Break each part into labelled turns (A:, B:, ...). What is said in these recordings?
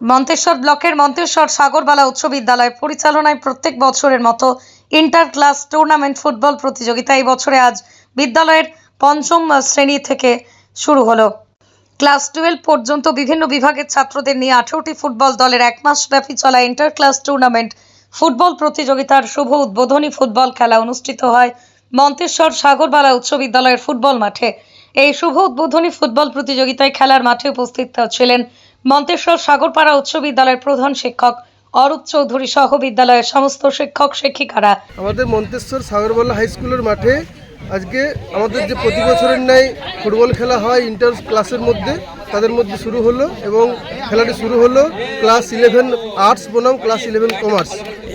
A: মন্তেশ্বর ব্লকের মন্তেশ্বর সাগরবালা উচ্চ বিদ্যালয় পরিচালনায় প্রত্যেক বছরের মতো ইন্টার ক্লাস টুর্নামেন্ট ফুটবল প্রতিযোগিতা এই বছরে আজ বিদ্যালয়ের পঞ্চম শ্রেণী থেকে শুরু হলো। ক্লাস 12 পর্যন্ত বিভিন্ন বিভাগের ছাত্রদের নিয়ে 18টি ফুটবল দলের এক মাস ব্যাপী চলা ইন্টার ক্লাস টুর্নামেন্ট ফুটবল প্রতিযোগিতার শুভ উদ্বোধনী ফুটবল খেলা অনুষ্ঠিত হয় মন্তেশ্বর সাগরবালা উচ্চ বিদ্যালয়ের ফুটবল মাঠে। এই শুভ উদ্বোধনী ফুটবল প্রতিযোগিতায় খেলার মাঠে উপস্থিত ছিলেন মন্তেশ্বর সাগরপাড়া উচ্চ বিদ্যালয়ের প্রধান শিক্ষক অরূপ চৌধুরী সহ বিদ্যালয়ের সমস্ত শিক্ষক শিক্ষিকারা।
B: আমাদের মন্তেশ্বর সাগরবালা হাই স্কুলের মাঠে আজকে আমাদের যে প্রতি বছরের ন্যায় ফুটবল খেলা হয় ইন্টার ক্লাসের মধ্যে, তাদের মধ্যে শুরু হলো এবং খেলাটি শুরু হলো ক্লাস 11 আর্টস বনাম ক্লাস 11 কমার্স।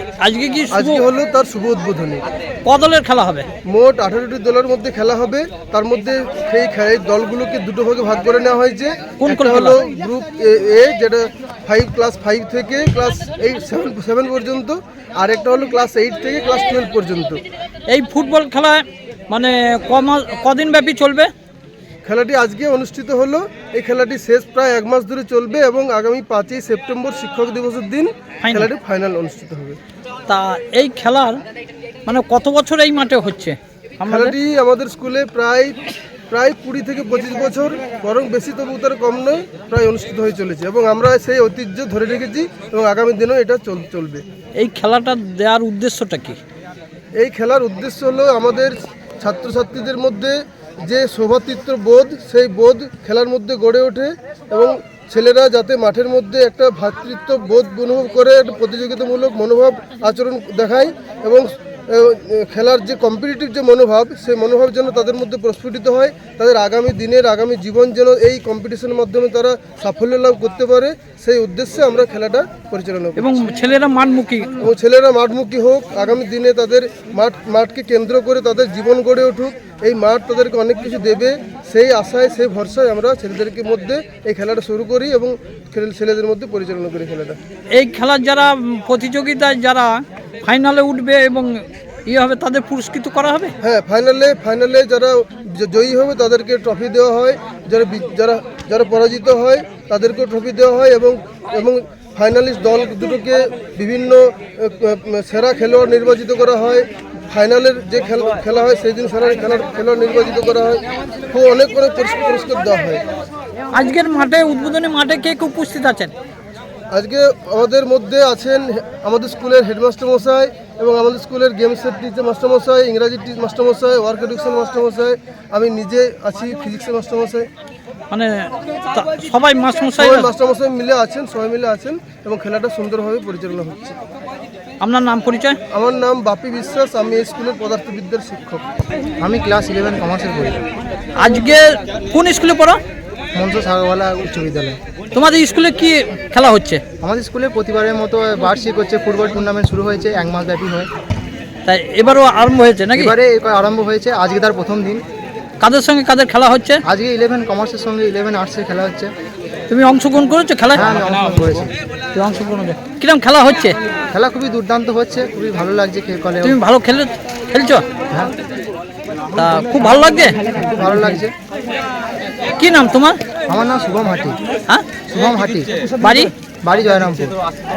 B: আজকে হলো তার শুভ উদ্বোধনী।
C: কত দলের খেলা হবে?
B: মোট 18টি দলের মধ্যে খেলা হবে। তার মধ্যে সেই দলগুলোকে দুটো ভাগে ভাগ করে নেওয়া হয়েছে। একটা হলো গ্রুপ এ, যেটা ক্লাস 5 থেকে ক্লাস 7 পর্যন্ত, আর একটা হলো ক্লাস 8 থেকে ক্লাস 12 পর্যন্ত।
C: এই ফুটবল খেলা মানে কদিন ব্যাপী চলবে?
B: খেলাটি আজকে অনুষ্ঠিত হলো। এই খেলাটি শেষ প্রায় 1 মাস ধরে চলবে এবং আগামী 5ই সেপ্টেম্বর শিক্ষক দিবসের দিন খেলাটি ফাইনাল অনুষ্ঠিত হবে।
C: তা এই খেলার মানে কত বছর এই মাঠে হচ্ছে?
B: খেলাটি আমাদের স্কুলে প্রায় 20 থেকে 25 বছর, বরং বেশি তবু তার কম নয়, প্রায় অনুষ্ঠিত হয়ে চলেছে এবং আমরা সেই ঐতিহ্য ধরে রেখেছি এবং আগামী দিনেও এটা চলবে।
C: এই খেলাটা দেওয়ার উদ্দেশ্যটা কি?
B: এই খেলার উদ্দেশ্য হলো আমাদের ছাত্রছাত্রীদের মধ্যে যে সৌভ্রাতৃত্ব বোধ, সেই বোধ খেলার মধ্যে গড়ে ওঠে এবং ছেলেরা যাতে মাঠের মধ্যে একটা ভ্রাতৃত্ব বোধ অনুভব করে, একটা প্রতিযোগিতামূলক মনোভাব আচরণ দেখায় এবং খেলার যে কম্পিটিটিভ যে মনোভাব, সেই মনোভাব যেন তাদের মধ্যে প্রস্ফুটিত হয়, তাদের আগামী দিনের আগামী জীবন যেন এই কম্পিটিশনের মাধ্যমে তারা সাফল্য লাভ করতে পারে, সেই উদ্দেশ্যে আমরা খেলাটা পরিচালনা করি।
C: এবং ছেলেরা
B: মাঠমুখী হোক, আগামী দিনে তাদের মাঠকে কেন্দ্র করে তাদের জীবন গড়ে উঠুক, এই মাঠ তাদেরকে অনেক কিছু দেবে, সেই আশায় সেই ভরসায় আমরা ছেলেদেরকে মধ্যে এই খেলাটা শুরু করি এবং ছেলেদের মধ্যে পরিচালনা করি খেলাটা।
C: এই খেলার যারা প্রতিযোগিতায় যারা ফাইনালে উঠবে এবং হবে তাদের পুরস্কৃত করা হবে।
B: হ্যাঁ, ফাইনালে যারা জয়ী হবে তাদেরকে ট্রফি দেওয়া হয়, যারা পরাজিত হয় তাদেরকেও ট্রফি দেওয়া হয় এবং ফাইনালিস্ট দল দুটোকে বিভিন্ন সেরা খেলোয়াড় নির্বাচিত করা হয়। ফাইনালের যে খেলা হয় সেই দিন সেরা খেলোয়াড় নির্বাচিত করা হয়। খুব অনেক পুরস্কার দেওয়া হয়।
C: আজকের মাঠে উদ্বোধনী মাঠে কে কে উপস্থিত আছেন?
B: আজকে আমাদের মধ্যে আছেন আমাদের স্কুলের হেডমাস্টার মশাই এবং আমাদের স্কুলের গেমসের টিচার মাস্টারমশাই, ইংরাজি মাস্টারমশাই, ওয়ার্ক এডুকেশন মাস্টারমশাই, আমি নিজে আছি ফিজিক্সের মাস্টারমশাই।
C: মানে সবাই
B: মাস্টারমশাই মিলে আছেন এবং খেলাটা সুন্দরভাবে পরিচালনা হচ্ছে।
C: আপনার নাম পরিচয়?
B: আমার নাম বাপি বিশ্বাস, আমি এই স্কুলের পদার্থবিদ্যার শিক্ষক।
D: আমি ক্লাস 11 কমার্সের পড়ি।
C: আজকে কোন স্কুলে পড়ো?
D: মন্তেশ্বর সাগরবালা উচ্চ বিদ্যালয়।
C: তোমাদের স্কুলে কি খেলা হচ্ছে?
D: আমাদের স্কুলে প্রতিবারের মতো বার্ষিক হচ্ছে ফুটবল টুর্নামেন্ট শুরু হয়েছে, 1 মাস ব্যাপী হয়।
C: তাই এবারও আরম্ভ হয়েছে নাকি?
D: এবারে আরম্ভ হয়েছে, আজকে তার প্রথম দিন।
C: কাদের সঙ্গে কাদের খেলা হচ্ছে?
D: আজকে 11 কমার্সের সঙ্গে 11 আর্টসের খেলা হচ্ছে।
C: তুমি অংশগ্রহণ করেছো খেলায়?
D: হ্যাঁ, আমি অংশগ্রহণ করেছি।
C: তুমি অংশগ্রহণ করেছো? কিরকম খেলা হচ্ছে?
D: খেলা খুবই দুর্দান্ত হচ্ছে, খুবই ভালো লাগছে।
C: তুমি ভালো খেলছো?
D: হ্যাঁ।
C: তা খুব ভালো লাগছে?
D: খুব ভালো লাগছে।
C: কি নাম তোমার?
D: আমার নাম শুভম হাটি।
C: হ্যাঁ,
D: শুভম হাটি।
C: বাড়ি
D: জয়রামপুর।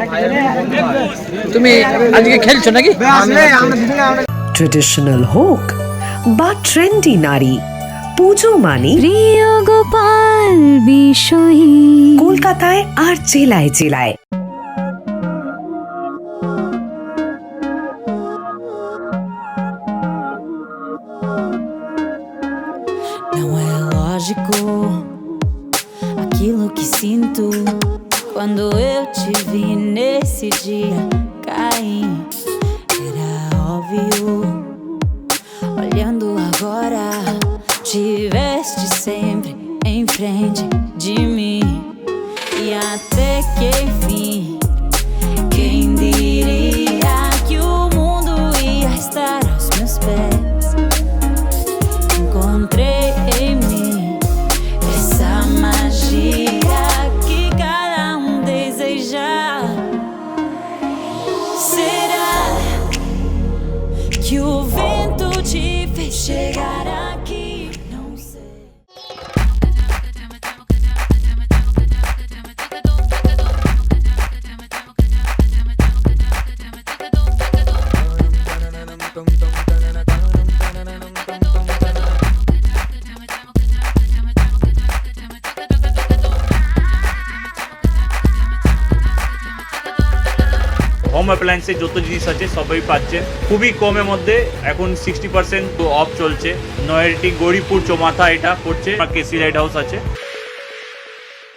C: তুমি আজকে খেলছো নাকি?
E: ট্রেডিশনাল হোক বা ট্রেন্ডি নারী, পুজো মানে
F: প্রিয় গোপাল বিষয়ী
E: কলকাতায় আর জেলায় জেলায়।
F: Não é lógico aquilo que sinto quando eu te vi nesse dia cair. Era óbvio, olhando agora, tiveste sempre em frente de mim. E até que enfim, quem diria que o mundo ia estar aos meus pés? Encontrei em mim essa magia que cada deseja. Será que o vento te fez chegar aqui? Não sei.
G: Home অ্যাপ্লায়েন্সের যত জিনিস আছে সবই পাচ্ছেন খুবই কমের মধ্যে। এখন 60% অফ চলছে। নয়ারটি গৌরীপুর চৌমাথা এটা পড়ছে, কেসি লাইট হাউস আছে।